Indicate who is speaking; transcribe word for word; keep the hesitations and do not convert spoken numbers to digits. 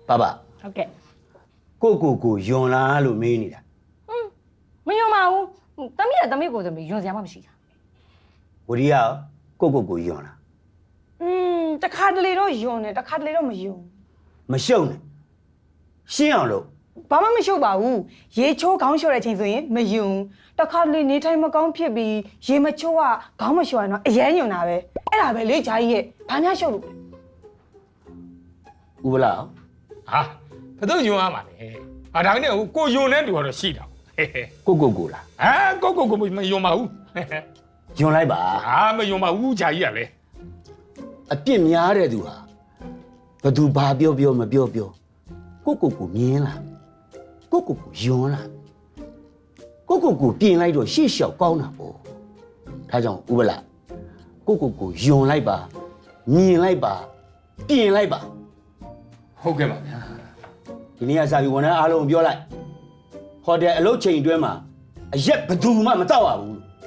Speaker 1: 爸爸，
Speaker 2: ဟုတ်ကဲ့
Speaker 1: ကိုကိုကိုယွန်လားလို့မေးနေတာ
Speaker 2: မယုံပါဘူးတမီးကတမီးကိုတမီးယွန်စရာမှမရှိတာ
Speaker 1: ဝရီယာကိုကိုကိုယွန်လား
Speaker 3: อืมတခါတလေတော့ယွန်တယ်တခါတလေတော့မယွန်
Speaker 1: မရှုံနဲ့ရှင်းအောင်လို့
Speaker 3: ဘာမှမရှုပ်ပါဘူးရေချိုးခေါင်းလျှော်တဲ့အချိန်ဆိုရင်မယွန်တခါတလေနေထိုင်မကောင်းဖြစ်ပြီးရေမချိုးကခေါင်းမလျှော်ရင်တော့အရန်ယွန်တာပဲအဲ့ဒါပဲလေဂျာကြီးရဲ့ဘာများရှုပ်လို့
Speaker 1: ဥပလာ
Speaker 4: ဟာဘယ်သူယွန်းရမှာလဲအာဒါနဲ့ကိုယွန်းတဲ့တူတော့ရှိတာဟဲ့
Speaker 1: ကိုကိုကိုလား
Speaker 4: ဟာကိုကိုကိုမယွန်းပါဘူး
Speaker 1: ယွန်လိုက်ပါ
Speaker 4: ဟာမယွန်းပါဘူးဂျာကြီးကလေ
Speaker 1: အပြစ်များတဲ့သူဟာဘသူဘာပြောပြောမပြောပြောကိုကိုကိုမြင်လားကိုကိုကိုယွန်လားကိုကိုကိုပြင်လိုက်တော့ရှေ့လျှောက်ကောင်းတာပေါ့ဒါကြောင့်ဥပလာကိုကိုကိုယွန်လိုက်ပါမြင်လိုက်ပါပြင်လိုက်ပါ
Speaker 4: ဟုတ်ကဲ့ပါဗျာ
Speaker 1: ဒီနေ့ကစာပြီးဝန်ထမ်းအားလုံးပြောလိုက်ဟိုတယ်အလုပ်ချိန်အတွင်းမှာအရက်ဘသူမှမတော့ရဘူး